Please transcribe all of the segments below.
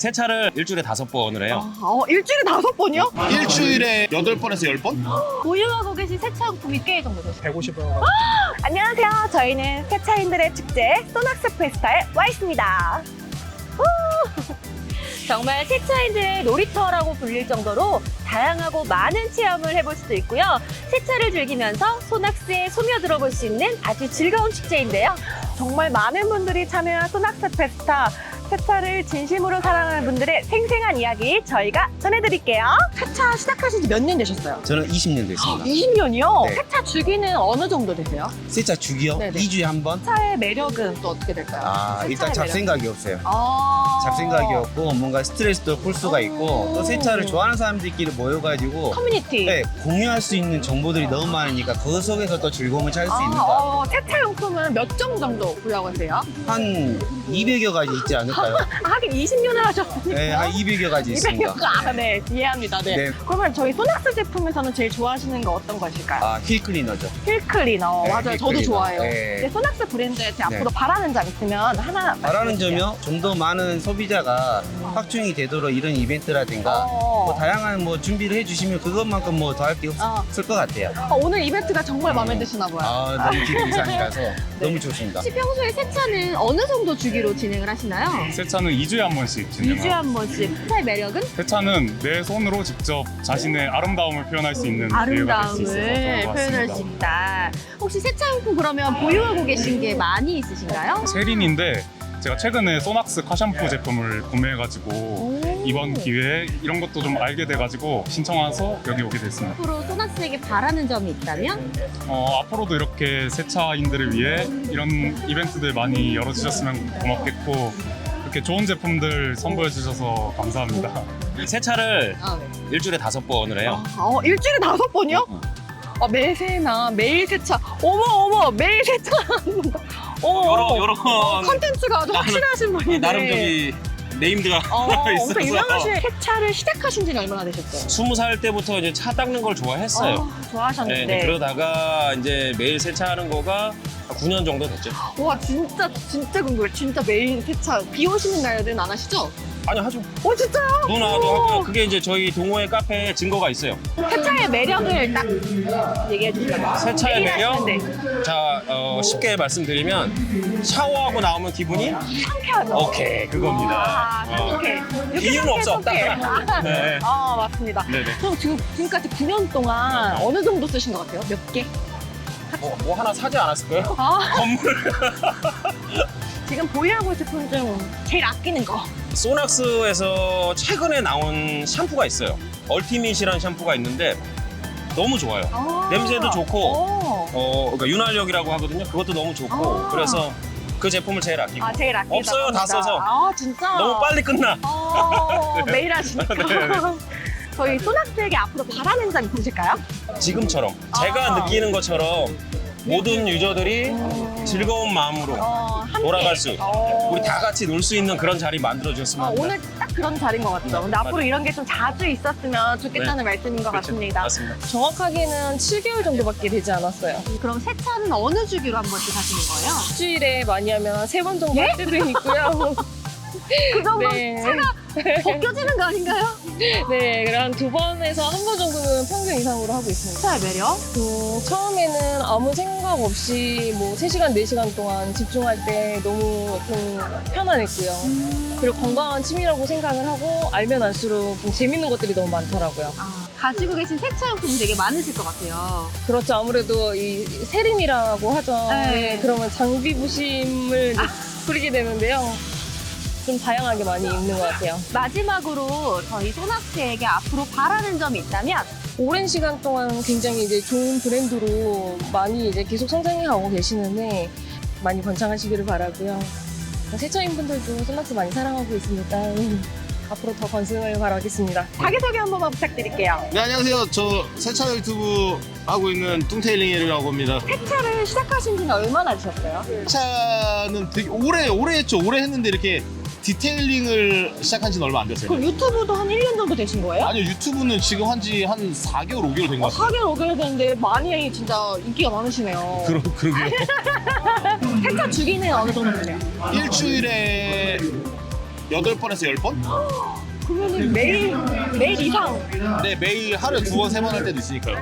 세차를 일주일에 5번을 해요. 일주일에 5번이요? 일주일에 8번에서 10번? 보유하고 계신 세차용품이 꽤 정도 되세요? 150원. 안녕하세요. 저희는 세차인들의 축제 소낙스 페스타에 와 있습니다. 정말 세차인들의 놀이터라고 불릴 정도로 다양하고 많은 체험을 해볼 수도 있고요. 세차를 즐기면서 소낙스에 소며들어 볼 수 있는 아주 즐거운 축제인데요. 정말 많은 분들이 참여한 소낙스 페스타. 세차를 진심으로 사랑하는 분들의 생생한 이야기 저희가 전해드릴게요. 세차 시작하신 지 몇 년 되셨어요? 저는 20년 됐습니다. 20년이요? 네. 세차 주기는 어느 정도 되세요? 세차 주기요? 네네. 2주에 한 번? 세차의 매력은 또 어떻게 될까요? 일단 세차의 잡생각이 없어요. 매력. 잡생각이 없고 뭔가 스트레스도 풀 수가 있고 또 세차를 좋아하는 사람들끼리 모여가지고 커뮤니티. 네, 공유할 수 있는 정보들이 너무 많으니까 그 속에서 또 즐거움을 찾을 수 있는 것 같아요. 세차용품은 몇 종 정도 구매하세요? 한 200여 가지 있지 않을까요? 하긴 20년을 하셨으니까. 네, 한 200여 가지 있습니다. 200여 네, 이해합니다. 네. 네. 그러면 저희 소낙스 제품에서는 제일 좋아하시는 거 어떤 것일까요? 휠 클리너죠. 힐 클리너. 네, 맞아요. 힐 저도 클리너. 좋아해요. 네. 근데 소낙스 브랜드에 제 앞으로 바라는 점 있으면 하나 바라는 말씀해주세요. 점이요? 좀 더 많은 소비자가 확충이 되도록 이런 이벤트라든가 뭐 다양한 뭐 준비를 해주시면 그것만큼 뭐 더 할 게 없을 것 같아요. 오늘 이벤트가 정말 마음에 드시나 봐요. 너무 기대 이상이라서 너무 좋습니다. 혹시 평소에 세차는 어느 정도 주기로 진행을 하시나요? 세차는 2주에 한 번씩 2주에 진행하고 한 번씩. 세차의 매력은? 세차는 내 손으로 직접 자신의 아름다움을 표현할 수 있는 기회가 될 수 있어서 아름다움을 좋은 것 표현할 수 같습니다. 있다. 혹시 세차용품 그러면 보유하고 계신 게 많이 있으신가요? 세린인데 제가 최근에 소낙스 카샴푸 제품을 구매해가지고 이번 기회에 이런 것도 좀 알게 돼가지고 신청해서 여기 오게 됐습니다. 앞으로 소낙스에게 바라는 점이 있다면? 앞으로도 이렇게 세차인들을 위해 이런 이벤트들 많이 열어주셨으면 고맙겠고 이렇게 좋은 제품들 선보여 주셔서 감사합니다. 세차를 네. 일주일에 5번을 해요. 일주일에 5번이요? 매세나 매일 세차. 어머 매일 세차. 요런 컨텐츠가 아주 확실하신 분이네. 나름 저기 네임드가 있어서 엄청 유명하신 세차를 시작하신 지는 얼마나 되셨어요? 20살 때부터 이제 차 닦는 걸 좋아했어요. 좋아하셨는데. 네, 그러다가 이제 매일 세차하는 거가 9년 정도 됐죠. 와 진짜 궁금해. 진짜 매일 세차. 비 오시는 날은 안 하시죠? 아니 하죠. 진짜요? 누나도 하고요. 그게 이제 저희 동호회 카페에 증거가 있어요. 세차의 매력을 딱 얘기해 주시면. 세차의 매일 매력? 하시는데. 자, 쉽게 말씀드리면 샤워하고 나오면 기분이 상쾌하죠. 오케이 그겁니다. 상쾌. 이유는 없어. 상쾌. 네. 맞습니다. 네네. 그럼 지금까지 9년 동안 어느 정도 쓰신 것 같아요? 몇 개? 뭐 하나 사지 않았을까요? 건물. 지금 보유하고 있을 분 중 제일 아끼는 거. 소낙스에서 최근에 나온 샴푸가 있어요. 얼티밋이라는 샴푸가 있는데 너무 좋아요. 냄새도 좋고 그러니까 윤활력이라고 하거든요. 그것도 너무 좋고 그래서 그 제품을 제일 아끼고 제일 아끼다. 없어요. 다 써서. 진짜? 너무 빨리 끝나. 매일 하시니까. 네. 저희 소낙스에게 앞으로 바라는 점 있으실까요? 지금처럼 제가 느끼는 것처럼 모든 유저들이 즐거운 마음으로 함께. 돌아갈 수 우리 다 같이 놀 수 있는 그런 자리 만들어주셨으면 합니다. 오늘 딱 그런 자리인 것 같죠. 근데 앞으로 이런 게 좀 자주 있었으면 좋겠다는 말씀인 것 그렇죠. 같습니다. 맞습니다. 정확하게는 7개월 정도밖에 되지 않았어요. 그럼 세차는 어느 주기로 한 번씩 하시는 거예요? 일주일에 많이 하면 한 3번 정도 할 때도 있고요. 그 정도 네. 차가 벗겨지는 거 아닌가요? 네, 그럼 한 2번에서 1번 정도는 평균 이상으로 하고 있습니다. 세차의 매력? 처음에는 아무 생각 없이 뭐 3시간, 4시간 동안 집중할 때 너무 좀 편안했고요. 그리고 건강한 취미라고 생각을 하고 알면 알수록 좀 재밌는 것들이 너무 많더라고요. 가지고 계신 세차용품이 되게 많으실 것 같아요. 그렇죠. 아무래도 이 세림이라고 하죠. 네. 그러면 장비 부심을 부리게 되는데요. 좀 다양하게 많이 있는 것 같아요. 마지막으로 저희 소낙스에게 앞으로 바라는 점이 있다면? 오랜 시간 동안 굉장히 이제 좋은 브랜드로 많이 이제 계속 성장해 가고 계시는데 많이 번창하시기를 바라고요. 세차인 분들도 소낙스 많이 사랑하고 있으니까 앞으로 더 건승을 바라겠습니다. 자기소개 한 번만 부탁드릴게요. 네, 안녕하세요. 저 세차 유튜브 하고 있는 뚱테일링이라고 합니다. 세차를 시작하신 지는 얼마나 되셨어요? 세차는 되게 오래 했죠. 오래 했는데 이렇게 디테일링을 시작한 지는 얼마 안 됐어요. 그럼 유튜브도 한 1년 정도 되신 거예요? 아니요, 유튜브는 지금 한 지 한 4개월, 5개월 된 것 같아요. 4개월, 5개월 됐는데 많이 진짜 인기가 많으시네요. 그러게요. 세차 주기는 어느 정도 되세요? 일주일에 8번에서 10번? 그러면은 매일 이상. 네, 매일 하루에 2번, 3번 할 때도 있으니까요.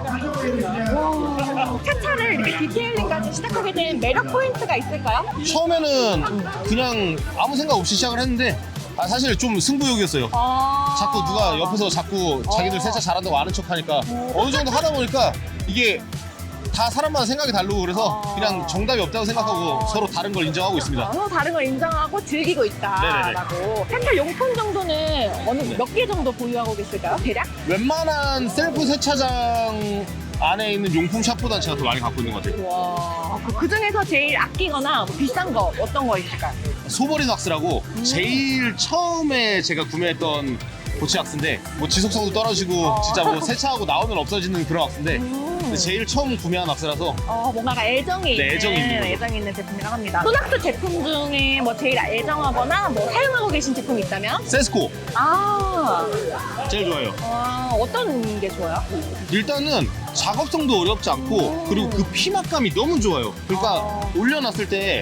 차차를 이렇게 디테일링까지 시작하게 된 매력 포인트가 있을까요? 처음에는 그냥 아무 생각 없이 시작을 했는데 사실 좀 승부욕이었어요. 자꾸 누가 옆에서 자꾸 자기들 세차 잘한다고 아는 척 하니까 어느 정도 하다 보니까 이게 다 사람마다 생각이 다르고 그래서 그냥 정답이 없다고 생각하고 서로 다른 걸 인정하고 있습니다. 서로 다른 걸 인정하고 즐기고 있다라고. 세차 용품 정도는 몇 개 정도 보유하고 계실까요? 대략? 웬만한 셀프 세차장 안에 있는 용품 샵보다 제가 더 많이 갖고 있는 것 같아요. 와. 그 중에서 제일 아끼거나 뭐 비싼 거 어떤 거 있을까요? 소버린 왁스라고 제일 처음에 제가 구매했던 고체 왁스인데 뭐 지속성도 떨어지고 진짜 뭐 세차하고 나오면 없어지는 그런 왁스인데 근데 제일 처음 구매한 왁스라서 뭔가 애정이 네, 있는 애정이 있는 제품이라고 합니다. 소낙스 제품 중에 뭐 제일 애정하거나 뭐 사용하고 계신 제품이 있다면? 세스코 제일 좋아요. 어떤 게 좋아요? 일단은 작업성도 어렵지 않고 그리고 그 피막감이 너무 좋아요. 그러니까 올려놨을 때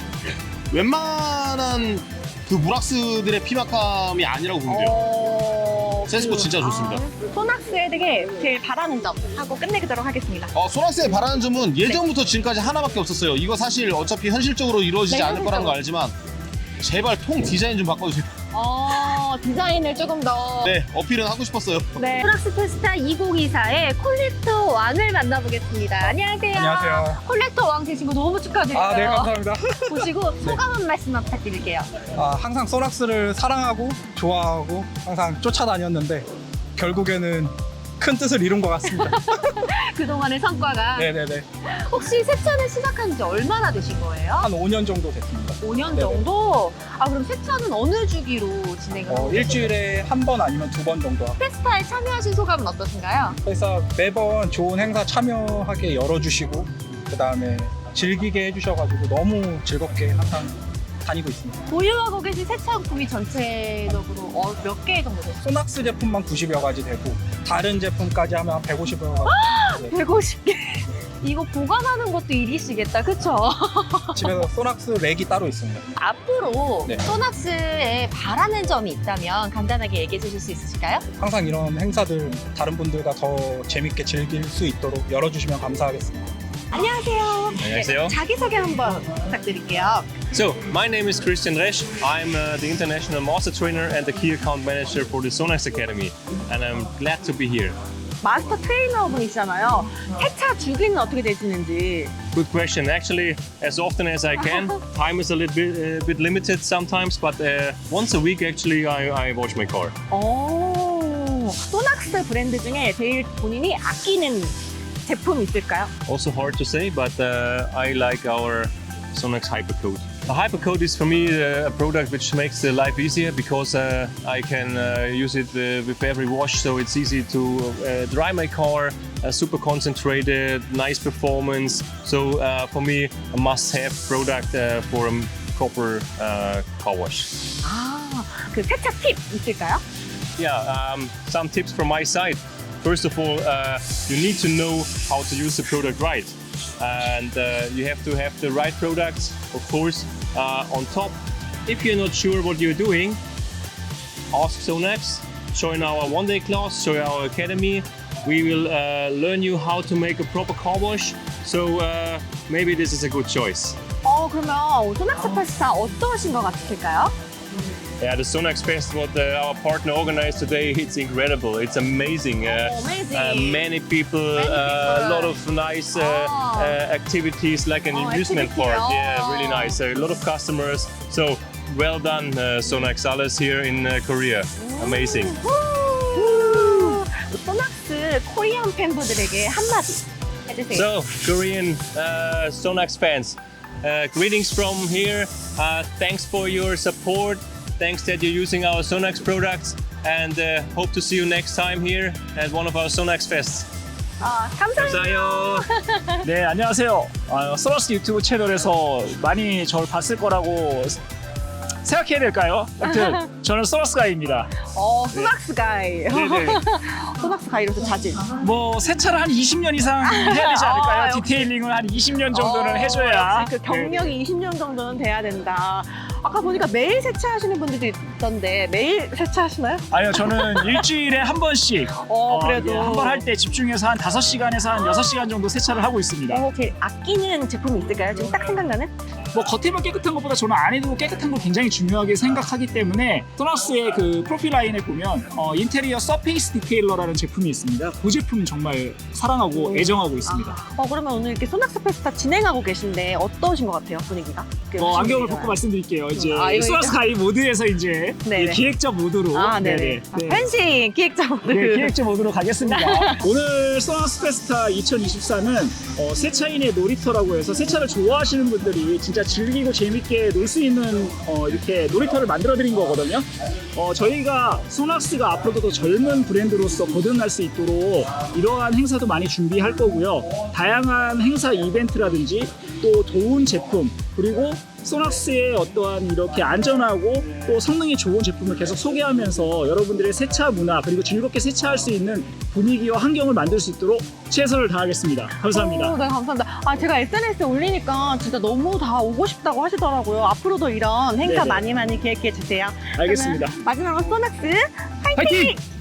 웬만한 그 물왁스들의 피막감이 아니라고 보면 돼요. 세스코 진짜 좋습니다. 소낙스에 되게 제일 바라는 점 하고 끝내도록 하겠습니다. 소낙스에 바라는 점은 예전부터 지금까지 하나밖에 없었어요. 이거 사실 어차피 현실적으로 이루어지지 네, 않을 거라는 거 알지만 제발 통 디자인 좀 바꿔주세요. 디자인을 조금 더. 네, 어필은 하고 싶었어요. 네. 소낙스 페스타 2024의 콜렉터 왕을 만나보겠습니다. 안녕하세요. 안녕하세요. 콜렉터 왕 되신 거 너무 축하드려요. 네, 감사합니다. 보시고 소감 한 말씀만 부탁드릴게요. 항상 소낙스를 사랑하고 좋아하고 항상 쫓아다녔는데 결국에는 큰 뜻을 이룬 것 같습니다. 그동안의 성과가. 네네네. 혹시 세차는 시작한 지 얼마나 되신 거예요? 한 5년 정도 됐습니다. 5년 네네. 정도? 그럼 세차는 어느 주기로 진행을 하고 계세요? 일주일에 한 번 아니면 2번 정도 하고 페스타에 참여하신 소감은 어떠신가요? 그래서 매번 좋은 행사 참여하게 열어주시고 그 다음에 즐기게 해주셔가지고 너무 즐겁게 항상 다니고 있습니다. 보유하고 계신 세차용품이 전체적으로 몇 개 정도 되세요? 소낙스 제품만 90여 가지 되고 다른 제품까지 하면 한 150여 가지. 150개. 이거 보관하는 것도 일이시겠다, 그쵸? 집에서 소낙스 렉이 따로 있습니다. 앞으로 네. 소낙스에 바라는 점이 있다면 간단하게 얘기해 주실 수 있으실까요? 항상 이런 행사들 다른 분들과 더 재밌게 즐길 수 있도록 열어주시면 감사하겠습니다. 안녕하세요. 안녕하세요. 자기소개 한번 부탁드릴게요. So, my name is Christian Resch. I'm the International Master Trainer and the Key Account Manager for the Sonax Academy. And I'm glad to be here. 마스터 트레이너 분이시잖아요. 세차 주기는 어떻게 되시는지. Good question. Actually, as often as I can. Time is a little bit limited sometimes, but once a week actually I wash my car. 소낙스 브랜드 중에 제일 본인이 아끼는 제품 있을까요? Also hard to say, but I like our Sonax Hypercoat. The Hypercoat is for me a product which makes the life easier because I can use it with every wash, so it's easy to dry my car, super concentrated, nice performance. So for me, a must-have product for a proper car wash. 그 세차 팁 있을까요? Yeah, some tips from my side. First of all, you need to know how to use the product right. And you have to have the right products, of course, on top. If you're not sure what you're doing, ask Sonax, join our one-day class, join our academy. We will learn you how to make a proper car wash. So maybe this is a good choice. 그러면 소낙스 페스타 어떠신 것 같으실까요? Yeah, the Sonax Fest, what our partner organized today, it's incredible. It's amazing. amazing. Many people, a lot of nice activities like an amusement activity. park. Yeah, really nice. A lot of customers. So well done, Sonax Alles here in Korea. Amazing. 소낙스 코리안 팬분들에게 한마디 해주세요. So, Korean Sonax fans, greetings from here. Thanks for your support. Thanks that you're using our Sonax products, and hope to see you next time here at one of our Sonax fests. 감사해요. 감사해요. 네, 안녕하세요. 소낙스 유튜브 채널에서 많이 저를 봤을 거라고 생각해야 될까요? 아무튼 저는 소낙스 가이입니다. 소낙스 가이. 네네. 소낙스 가이로서 자질. 뭐 세차를 한 20년 이상 해야 되지 않을까요? 역시. 디테일링을 한 20년 정도는 해줘야. 그 경력이 20년 정도는 돼야 된다. 아까 보니까 매일 세차하시는 분들도 있던데 매일 세차하시나요? 아니요, 저는 일주일에 한 번씩 그래도 한 번 할 때 집중해서 한 5시간에서 한 6시간 정도 세차를 하고 있습니다. 제일 아끼는 제품이 있을까요? 지금 딱 생각나는? 뭐 겉에만 깨끗한 것보다 저는 안에도 깨끗한 걸 굉장히 중요하게 생각하기 때문에 소낙스의 그 프로필 라인에 보면 인테리어 서페이스 디테일러라는 제품이 있습니다. 그 제품 정말 사랑하고 애정하고 있습니다. 그러면 오늘 이렇게 소낙스 페스타 진행하고 계신데 어떠신 것 같아요, 분위기가? 안경을 벗고 말씀드릴게요. 이제 이거 소낙스 가이 모드에서 이제 네네. 기획자 모드로 네네. 네. 펜싱 기획자 모드. 네, 기획자 모드로 가겠습니다. 오늘 소낙스 페스타 2024는 세차인의 놀이터라고 해서 세차를 좋아하시는 분들이 진짜 즐기고 재밌게 놀 수 있는 이렇게 놀이터를 만들어 드린 거거든요. 저희가 소낙스가 앞으로도 더 젊은 브랜드로서 거듭날 수 있도록 이러한 행사도 많이 준비할 거고요. 다양한 행사 이벤트라든지 또 좋은 제품 그리고 소낙스의 어떠한 이렇게 안전하고 또 성능이 좋은 제품을 계속 소개하면서 여러분들의 세차 문화 그리고 즐겁게 세차할 수 있는 분위기와 환경을 만들 수 있도록 최선을 다하겠습니다. 감사합니다. 네, 감사합니다. 제가 SNS에 올리니까 진짜 너무 다 오고 싶다고 하시더라고요. 앞으로도 이런 행사 네네. 많이 기획해 주세요. 알겠습니다. 그러면 마지막으로 소낙스 파이팅!